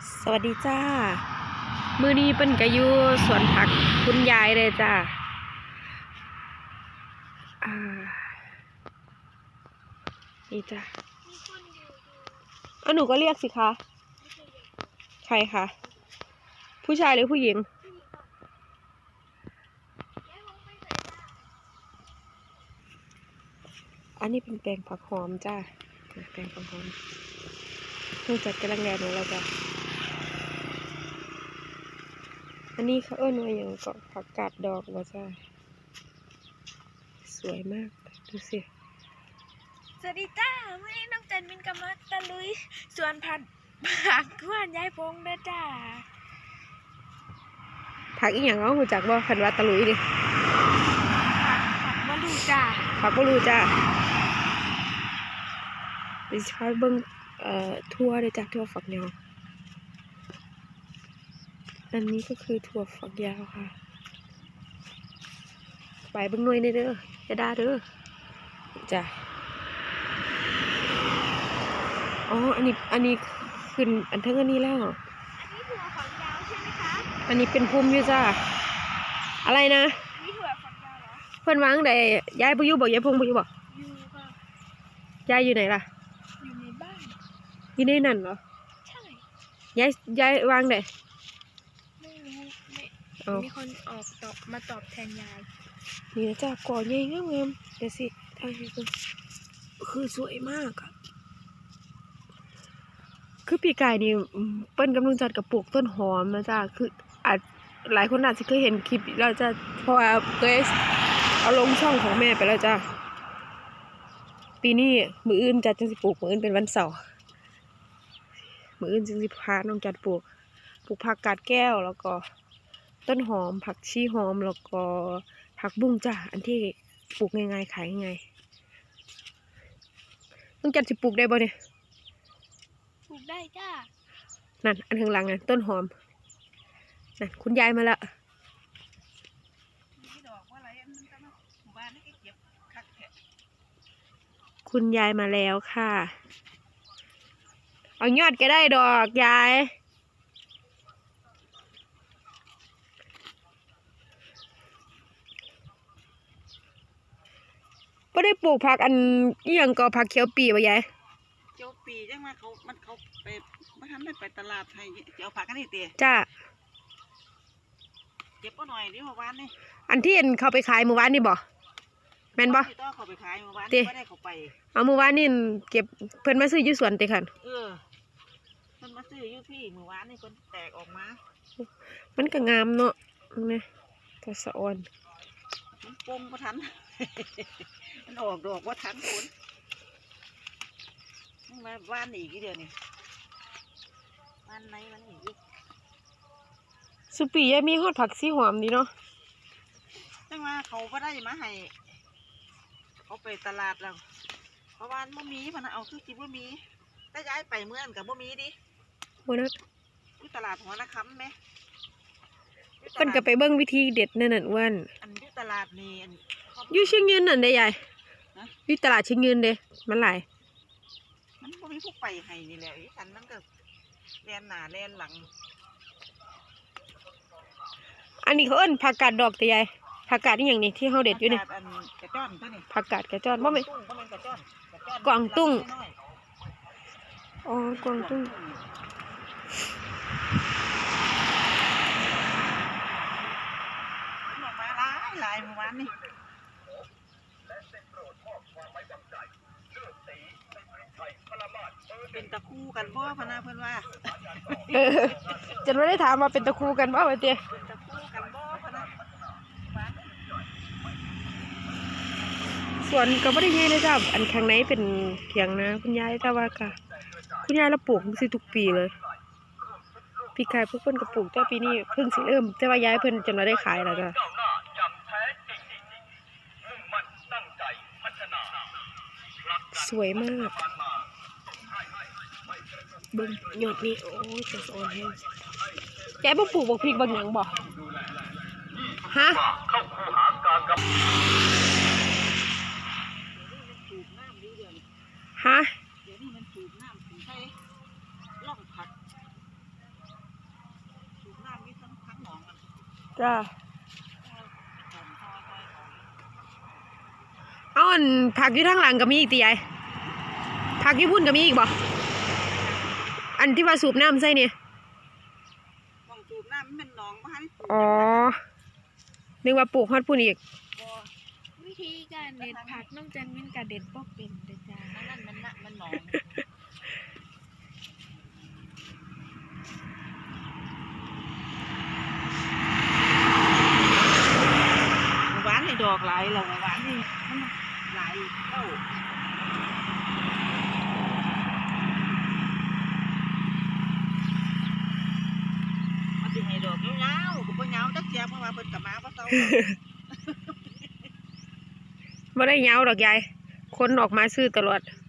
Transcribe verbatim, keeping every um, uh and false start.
สวัสดีจ้ามื้อนี้เปิ้นก็อยู่สวนผักคุณยายเลยจ้าอ่านี่จ้าอ่ะหนูก็เรียกสิคะใครคะผู้ชายหรือผู้หญิงอันนี้เป็นแปลงผักหอมจ้าแปลงผักหอมเพิ่งจัดกำลังแดดของเราจ้าอันนี้เขาเอิ้นว่าอย่างก็ผักกาดดอกว่าจ้าสวยมากดูสิสวัสดีจ้าวันนี้น้องจันมินกำลังตะลุยสวนผักผักกวนยายพงเด้อจ้าผักอีหยังเอาหูจักบ่คันว่าตะลุยดิผักผักมะลูจ้าผักบ่รู้จ้าดิฉันเบิ่งเอ่อทั่วเลยจ้ะทั่วฝักยาวอันนี้ก็คือถั่วฝักยาวค่ะไปเบิ่งหน่วยนี่เด้อจะได้เด้อจ้ะอ๋ออันนี้อันนี้ขึ้นอันเทิงอันนี้แล้วอันนี้ถั่วฝักยาวใช่ไหมคะอันนี้เป็นภูมิอยู่จ้าอะไรนะอันนี้ถั่วฝักยาวเหรอเพิ่นวางได้ยายบ่อยู่บ่ยายพงบ่อยู่บ่อยู่ค่ะยายอยู่ไหนล่ะอยู่ในบ้านอยู่ในนั่นเหรอใช่ยายยายวางได้ไม่รู้ไม่มีคนออกตอบมาตอบแทนยายนี่นะจ้าก่อใหญ่งามๆเดี๋ยวสิถ่ายให้เบิ่งคือสวยมากอะคือปีกายนี่เปิ้นกำลังจัดกับปลูกต้นหอมนะจ้าคืออาจหลายคนอาจจะเคยเห็นคลิปแล้วจะเพราะว่าเคยเอาลงช่องของแม่ไปแล้วจ้าปีนี้มื้ออื่นจัดจังสิปลูกมื้ออื่นเป็นวันเสาร์มื้ออื่นจังสิพาน้องจัดปลูกปลูกผักกาดแก้วแล้วก็ต้นหอมผักชีหอมแล้วก็ผักบุ้งจ้าอันที่ปลูกง่ายๆขายง่ายน้องจัดสิปลูกได้บ่เนี่ยปลูกได้จ้านั่นอันข้างหลังน่ะต้นหอมนั่นคุณยายมาละคุณยายมาแล้วค่ะเอายอดก็ได้ดอกยายไม่ได้ปลูกผักอันนี้ยังก็ผักเขียวปีบ่ยายเขียวปีจังมาเขามันเขาไปมาทำได้ไปตลาดไทยเจ้าผักกันนี่เตี๋ยจ้าเก็บก็หน่อยดิเมื่อวานนี่อันที่เห็นเขาไปขายเมื่อวานนี่บ่แม่นบ่ต้องเขาไปขายเมื่อวานไม่ได้เขาไปเอาเมื่อวานนี่เก็บเพิ่นมาซื้ออยู่สวนติคันเออเพิ่นมาซื้ออยู่ที่เมื่อวานนี่คนแตกออกมามันก็งามเนาะนี่ก็สะอ่อนมันปมก็ทันมันออกดอกว่าทันคนมาบ้านอีกกี่เดือนนี่บ้านไหนมันอีกสุปียมีฮอดผักสีหอมดีเนาะจังว่าเขาก็ได้มาให้เขาไปตลาดแล้วเพราะว่าบ่มีพนักเอาคือจิบ่มีถ้าย้ายไปเมื่อนกับบ่มีดิบ่นะที่ตลาดหัวนาคำไหมเพิ่นก็ไปเบิ่งวิธีเด็ดนั่นน่ะอ้วนอันที่ตลาดนี่อยู่เชียงยืนนั่นเด้ยายอยู่ตลาดเชียงยืนเด้มันหลายมันบ่มีผู้ไปให้นี่แหละอีฉันมันก็แล่นหน้าแล่นหลังอันนี้เขาเอิ้นผักกาดดอกแต่ยายผักกาดนี่อย่างนี้ที่เฮาเด็ดอยู่นี่ผักกาดกระจ้อนบ่แม่นกวางตุ้งอ๋อกวางตุ้งมาหลายหลายเมื่อวานนี่เป็นตะคู่กันบ่พนาเพิ่นว่าจะไม่ได้ถามว่าเป็นตะคู่กันบ่ว่าเตี้ยส่วนก็ไม่ได้ใหญ่เลยจ้ะอันข้างในเป็นเถียงนะคุณยายแต่ว่าค่ะคุณยายเราปลูกสิทุกปีเลยปีกายพวกเพิ่นก็ปลูกแต่ปีนี้เพิ่งสิเริ่มแต่ว่ายายเพิ่นจนมาได้ขายแล้วจ้ะสวยมากเบิ่งยอดนี่โอ้ยจะสอนให้แกบ่ปลูกบ่พริกบ่หยังบ่ฮะฮะจ้าเอาอันผักอยู่ทางหลังก็มีอีกติยายผักอยู่พุ่นก็มีอีกบ่อันที่ว่าสูบน้ำใส่เนี่ยมองจูบน้ำมันเป็นหนองบ่ทันอ๋อนึกว่าปลูกฮอดพุ่นอีกบ่วิธีการเด็ดผักน้องจันมินกะเด็ดบ่เป็นเด้อจ้านั่นมันน่ะมันหนองหวานนี่ดอกหลายแล้วหวานนี่มันหลายเต้ามันสิให้ดอกยาวๆก็บ่ยาวจักเสียเพราะว่าเพิ่นก็มาบ่เซาบ่ได้เหงาดอกยายคนออกมาซื้อตลอด